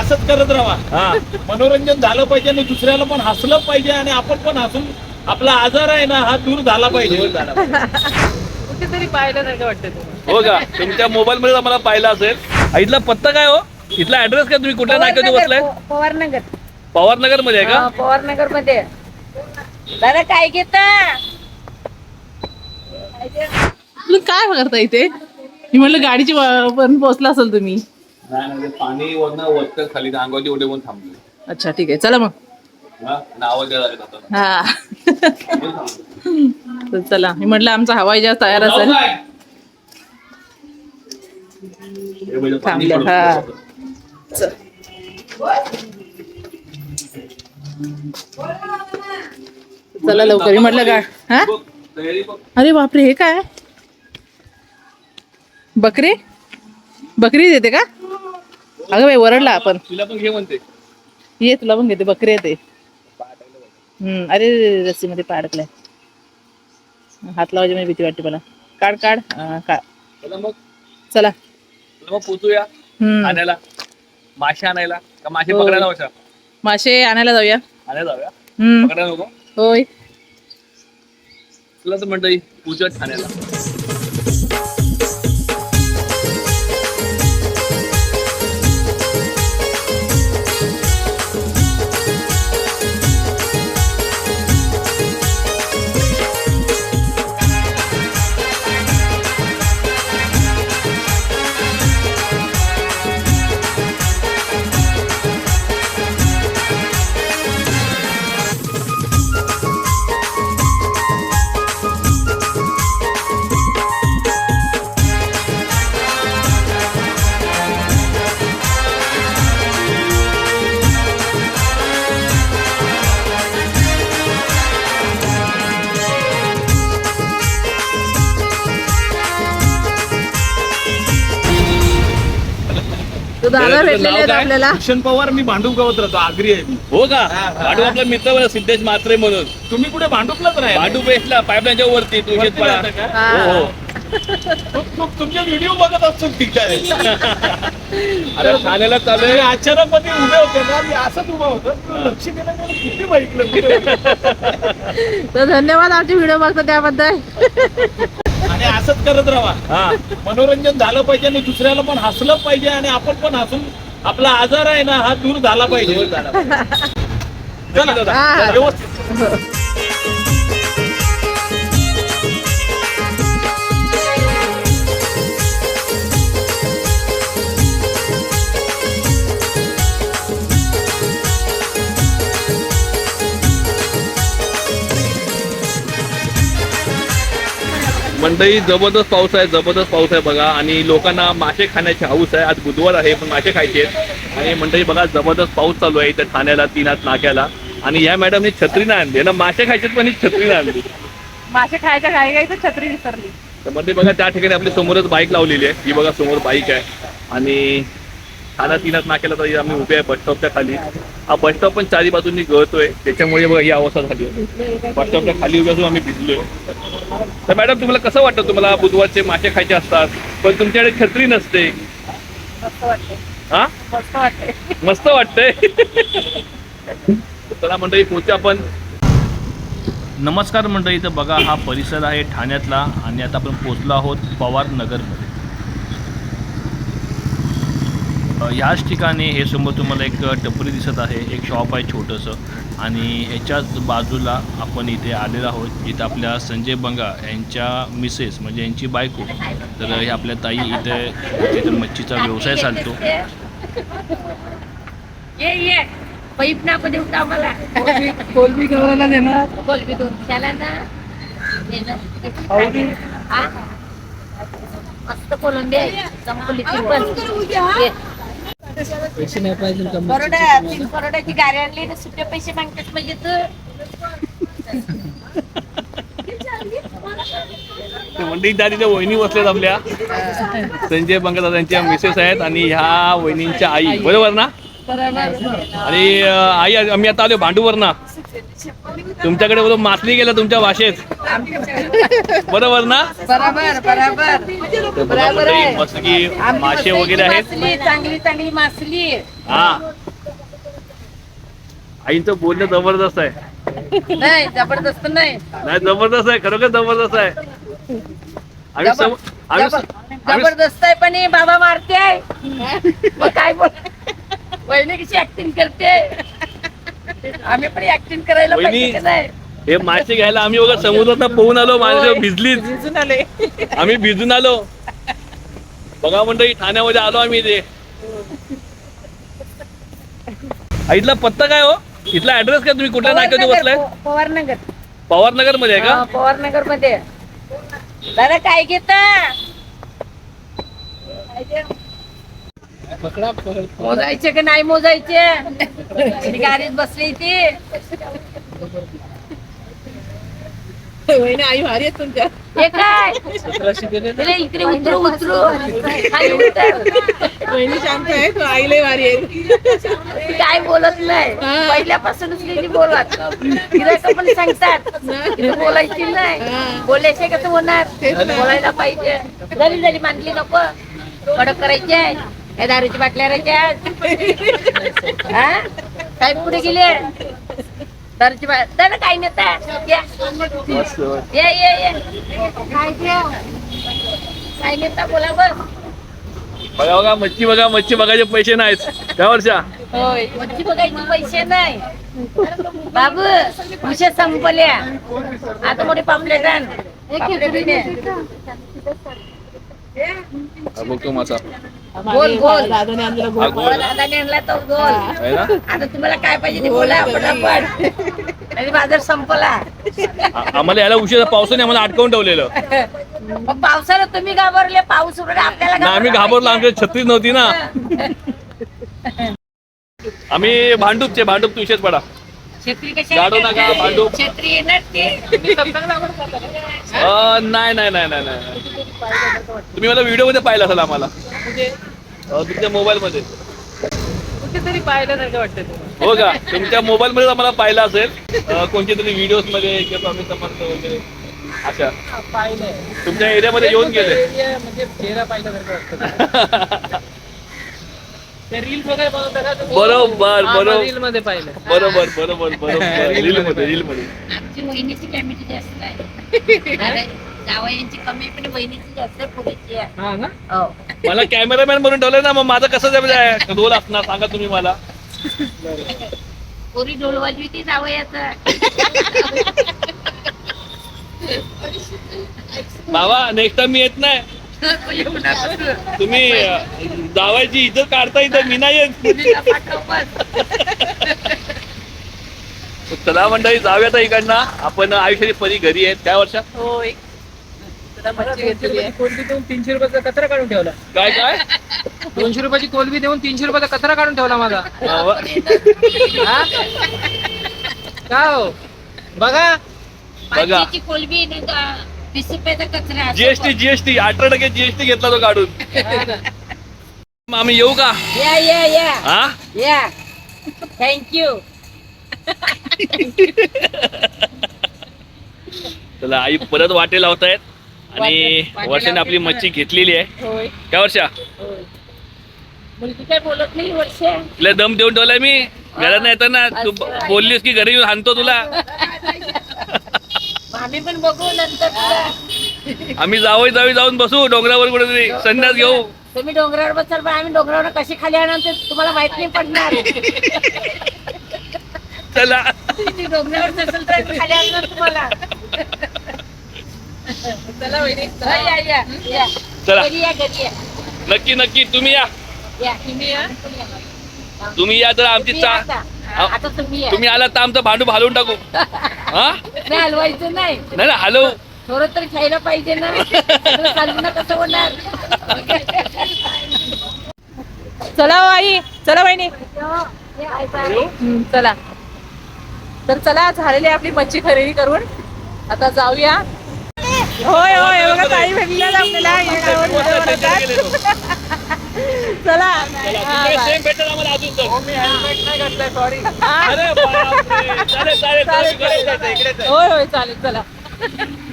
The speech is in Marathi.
असंच करत राहा. मनोरंजन झालं पाहिजे आणि दुसऱ्याला पण हसलं पाहिजे आणि आपण पण हसून आपला आजार आहे ना हा दूर झाला पाहिजे. कुठेतरी पाहिल्यासारखं वाटतं तुम्हाला. हो का? तुमच्या मोबाईल मध्ये आम्हाला पाहिला असेल. इथला पत्ता काय हो? इथला ऍड्रेस काय? तुम्ही कुठल्या नाक्यावर बसलाय? पवारनगर. पवारनगर मध्ये आहे का? पवारनगर मध्ये. दादा काय घेता? तुम्ही काय करता इथे? मी म्हटलं गाडीची पण पोहोचला असेल तुम्ही. नाही पाणी वरनं खाली अंगावरती ओढे पण थांबले. अच्छा ठीक आहे चला मग. आवाज द्यायला लागेल आता. हा तर चला मी म्हटलं आमचा हवाई जहाज तयार असेल. थांबल्या हा. चल. चला लवकर म्हटलं का हा. अरे बापरे हे काय बकरी बकरी देते का? अगं बाई वरडला आपण. तुला पण घे म्हणते. ये तुला पण घेते बकरी येते. अरे रस्सीमध्ये पाडकलाय. हात लावायची म्हणजे भीती वाटते मला. काढ काढ काढ. चला मग चला पोचूया आणायला मासे आणायला का मासे हो. पकडायला होत्या. मासे आणायला जाऊया. आणायला जाऊया. हम्म पकडायला नको. होय. तुला तर म्हणतं पूजा ठाण्याला. तो दादा भेटलेले आहेत आपल्याला. भूषण पवार. मी भांडूपगावात राहतो. आगरी आहे. हो का? भांडूप आपला मित्र सिद्धेश म्हात्रे म्हणून. तुम्ही कुठे भांडूपलाच राहा? भांडूप वेस्टला पाईपलाईनच्या वरती तुमचे व्हिडिओ बघत असतो. ठीक आहे. अरे ठाण्याला चालू आहे. अचानक मध्ये उभे होते ना मी असंच उभा होतो. लक्ष दिलं किती बघितलं. तर धन्यवाद आमचे व्हिडिओ बघतो त्याबद्दल. आणि असंच करत राहा. मनोरंजन झालं पाहिजे आणि दुसऱ्याला पण हसलं पाहिजे आणि आपण पण हसून आपला आजार आहे ना हा दूर झाला पाहिजे. चला दादा व्यवस्थित. मंडई जबरदस्त पाऊस आहे बघा. आणि लोकांना मासे खाण्याची हौस आहे. आज बुधवार आहे पण मासे खायचे आहेत. आणि मंडई बघा जबरदस्त पाऊस चालू आहे इथे ठाण्याला तीनाथ नाक्याला. आणि या मॅडमने छत्री नाही आणली ना. मासे खायचे पण ही छत्री नाही आणली. मासे खायच्या घाई तर छत्री विसरली. तर मंडई बघा त्या ठिकाणी आपली समोरच बाईक लावलेली आहे. ही बघा समोर बाईक आहे. आणि ठाणा तीनाथ नाक्याला तर आम्ही उभे आहे बसस्टॉपच्या खाली. हा बसस्टॉप पण चारी बाजूंनी गळतोय त्याच्यामुळे बघा ही अवस्था झाली आहे. बसस्टॉपच्या खाली उभे असून आम्ही भिजलोय. तर मॅडम तुम्हाला कसं वाटतं? तुम्हाला बुधवारचे मासे खायचे असतात पण तुमच्याकडे छत्री नसते. मस्त वाटते. हा मस्त वाटते. मस्त वाटतंय. चला मंडळी पोहोचू आपण. नमस्कार मंडळी. तर बघा हा परिसर आहे ठाण्यातला आणि आता आपण पोहोचलो आहोत पवारनगरमध्ये. ह्याच ठिकाणी हे समोर तुम्हाला एक टपरी दिसत आहे. एक शॉप आहे छोटंसं. आणि ह्याच्याच बाजूला आपण इथे आलेलो आहोत. इथं आपल्या संजय बंगा यांच्या मिसेस म्हणजे यांची बायको. तर हे आपल्या ताई इथे मच्छीचा व्यवसाय चालतो. ये पाईप ना पण देऊ आम्हाला. कोलबी करायला देणार. कोलबी दोन त्याला ना. मस्त कोलंबी आहे. संपलीची पण पैसे नाही पाहिजे करोडाची गाडी आणली ना सुट्टे पैसे मागतात म्हणजे मंडळी त्या तिथे वहिनी बसल्यात आपल्या. संजय बंगा दादांच्या मिसेस आहेत आणि ह्या वहिनींच्या आई. बरोबर ना? आणि आई आम्ही आता आलो भांडूवर ना. तुमच्याकडे बोलून मासली गेलं तुमच्या भाषेत. बरोबर ना? बरोबर बरोबर तर बघा मंडळी, मस्त की मासे वगैरे आहेत. चांगली चांगली मासली. हा, आईचं बोलणं जबरदस्त आहे. नाही जबरदस्त नाही. नाही जबरदस्त आहे, खरोखर जबरदस्त आहे. आम्ही जबरदस्त आहे पण हे बाबा मारते. मग काय बोल, वहिनी कशी ऍक्टिंग करते. आम्ही पण ऍक्टिंग करायला वहिनी, पाहिजे का नाही? हे मासे घ्यायला आम्ही बघा समुद्रात पोहून आलो. माझ्या भिजलीच, भिजून आले. आम्ही भिजून आलो. बघा मंडळी, ठाण्यामध्ये आलो आम्ही. इथे इथला पत्ता काय हो? इथला ऍड्रेस काय? तुम्ही कुठल्या नाक्यावर बसलाय? पवारनगर. पवारनगर मध्ये आहे का? पवारनगर मध्ये. दादा काय घेता? मोजायचे का नाही मोजायचे? गाडीत बसली ती. वहिनी आई भारी आहेत तुमच्या. हे काय तिला इकडे उतरू उतरू खाली उतर. वहिनी शांत आहे, तू आई लय भारी आहे. ती काय बोलत नाही. पहिल्यापासूनच नाही बोलत. तिला पण सांगतात तिला बोलायची नाही. बोलायचे कसं होणार? बोलायला पाहिजे. जरी जरी मानली नको, कडक करायचे. या दारूची बाटल्या राहायच्या. काय पुढे गेले? दारूची बाटल्या काय नेता? ये ये ये. काय नेता बोला बस. बघा बघा मच्छी, बघा मच्छी बघायचे पैसे नाहीत त्या वर्षा. होय, मच्छी बघायचे पैसे नाही. बाबू विषय संपल्या. आता मोठी पापलेट आण. बघतो मासा गोल गोल. दादाने आणलेला गोल. दादाने आणला तो गोल. आहे ना? आता तुम्हाला काय पाहिजे ते बोला पटापट. आणि बाजार संपला. आम्हाला याला उशीर, पावसाने आम्हाला अटकावून ठेवलेलं. मग पावसाला तुम्ही घाबरले. पाऊस उरला आपल्याला ना आम्ही घाबरलो, आमच्या छत्रीच नव्हती ना. आम्ही भांडूपचे, भांडूप विषयच पडा. छत्री कशी गाडो नका, भांडूप. छत्री येणार ते. नाही नाही नाही नाही नाही. तुम्ही मला व्हिडिओ मध्ये पाहिलं असेल आम्हाला, तुमच्या मोबाईल मध्ये. कुठेतरी पाहिल्यासारखं वाटतं. हो का? तुमच्या मोबाईल मध्ये आम्हाला पाहिलं असेल कोणत्या तरी व्हिडिओ मध्ये किंवा स्वामी समर्थ वगैरे अशा. तुमच्या एरियामध्ये येऊन गेले. म्हणजे चेहरा पाहिल्यासारखं वाटतं. रील वगैरे बनवतात. बरोबर बरोबर रील मध्ये पाहिलं. बरोबर बरोबर बरोबर. रील मध्ये, रील मध्ये. आमची वहिनीची कॅमिटी जास्त आहे. जावयांची कमी पण वहिनीची जास्त आहे. पुरीची आहे. हा ना? हो. मला कॅमेरामॅन म्हणून ठेवलंय ना, मग माझं कसं रोल असणार सांगा तुम्ही मला. पुरी ढोल वाजवी जावयाचा. बाबा नेक्स्ट टाइम मी येत नाही. तुम्ही जावायची इज्जत काढता इथं, मी नाही येत. चला मंडळी, जाऊया आता इकडनं. आपण आयुष्याची परी घरी आहेत. काय वर्षा? होय. 200 देऊन 300 रुपयाचा कचरा काढून ठेवला. काय काय? 200 रुपयाची कोलबी देऊन 300 रुपयाचा कचरा काढून ठेवला माझा. हा? का हो? बघा बघा. पाचशेची कोलबी नाही का 20 रुपयाचा कचरा. जीएसटी 18% जीएसटी घेतला तो काढून. मग आम्ही येऊ का? या या या हा, या. थँक्यू. चला आई परत वाटे लावतायत आणि वर्षाने आपली मच्छी घेतलेली आहे. होय काय वर्षा? होय. मुलगी काय बोलत नाही वर्ष. तुला दम देऊन ठेवलाय मी घरात नाही येताना. तू बोललीस की घरी येऊन हाणतो तुला. आम्ही पण बघू नंतर तुला. आम्ही जाऊन बसू डोंगरावर कुठेतरी संन्यास घेऊ. तुम्ही डोंगरावर बसाल पण आम्ही डोंगरावर कशी खाली आणणार ते तुम्हाला माहित नाही पडणार. चला तुम्ही डोंगरावर नसेल तर आम्ही खाली आणणार तुम्हाला. चला वहिनी. या या या. चला. घरी या घरी या. नक्की नक्की तुम्ही या. या. तुम्ही या तर आमची तुम्ही या आता. आता तुम्ही या. तुम्ही आलात तर आमचं भांडू हलवून टाकू. हा नाही हलवायचं नाही. नाही ना हलवू. थोडं तरी खायला पाहिजे ना. चालू कसं होणार. चला हो आई. चला वहिनी. चला. तर चला, झालेली आपली मच्छी खरेदी करून आता जाऊया. होय होय, बघा ताई भेटल्या आपल्याला. चला सेम भेटेल आम्हाला अजून तर. मी हेल्मेट नाही घातलंय सॉरी. अरे बापरे. चालेल चालेल चालेल. होय होय चालेल चला